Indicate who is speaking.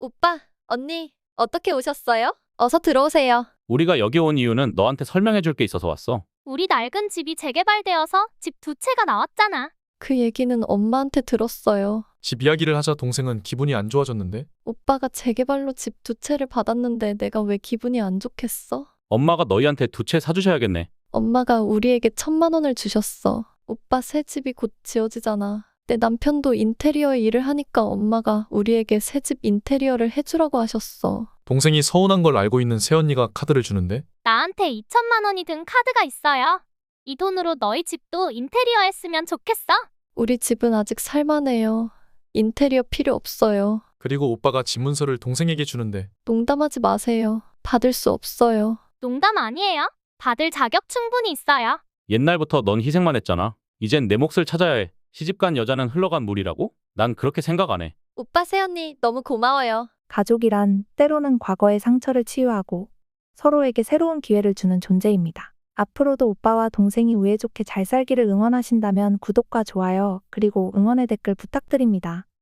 Speaker 1: 오빠, 언니, 어떻게 오셨어요? 어서 들어오세요.
Speaker 2: 우리가 여기 온 이유는 너한테 설명해 줄 게 있어서 왔어.
Speaker 3: 우리 낡은 집이 재개발되어서 집 두 채가 나왔잖아.
Speaker 1: 그 얘기는 엄마한테 들었어요.
Speaker 4: 집 이야기를 하자 동생은 기분이 안 좋아졌는데
Speaker 1: 오빠가 재개발로 집 두 채를 받았는데 내가 왜 기분이 안 좋겠어?
Speaker 2: 엄마가 너희한테 두 채 사주셔야겠네.
Speaker 1: 엄마가 우리에게 1,000만 원을 주셨어. 오빠 새 집이 곧 지어지잖아. 내 남편도 인테리어 일을 하니까 엄마가 우리에게 새 집 인테리어를 해주라고 하셨어.
Speaker 4: 동생이 서운한 걸 알고 있는 새언니가 카드를 주는데
Speaker 3: 나한테 2천만 원이 든 카드가 있어요. 이 돈으로 너희 집도 인테리어 했으면 좋겠어?
Speaker 1: 우리 집은 아직 살만해요. 인테리어 필요 없어요.
Speaker 4: 그리고 오빠가 집 문서를 동생에게 주는데
Speaker 1: 농담하지 마세요. 받을 수 없어요.
Speaker 3: 농담 아니에요. 받을 자격 충분히 있어요.
Speaker 2: 옛날부터 넌 희생만 했잖아. 이젠 내 몫을 찾아야 해. 시집간 여자는 흘러간 물이라고? 난 그렇게 생각 안 해.
Speaker 1: 오빠 새언니 너무 고마워요.
Speaker 5: 가족이란 때로는 과거의 상처를 치유하고 서로에게 새로운 기회를 주는 존재입니다. 앞으로도 오빠와 동생이 우애 좋게 잘 살기를 응원하신다면 구독과 좋아요, 그리고 응원의 댓글 부탁드립니다.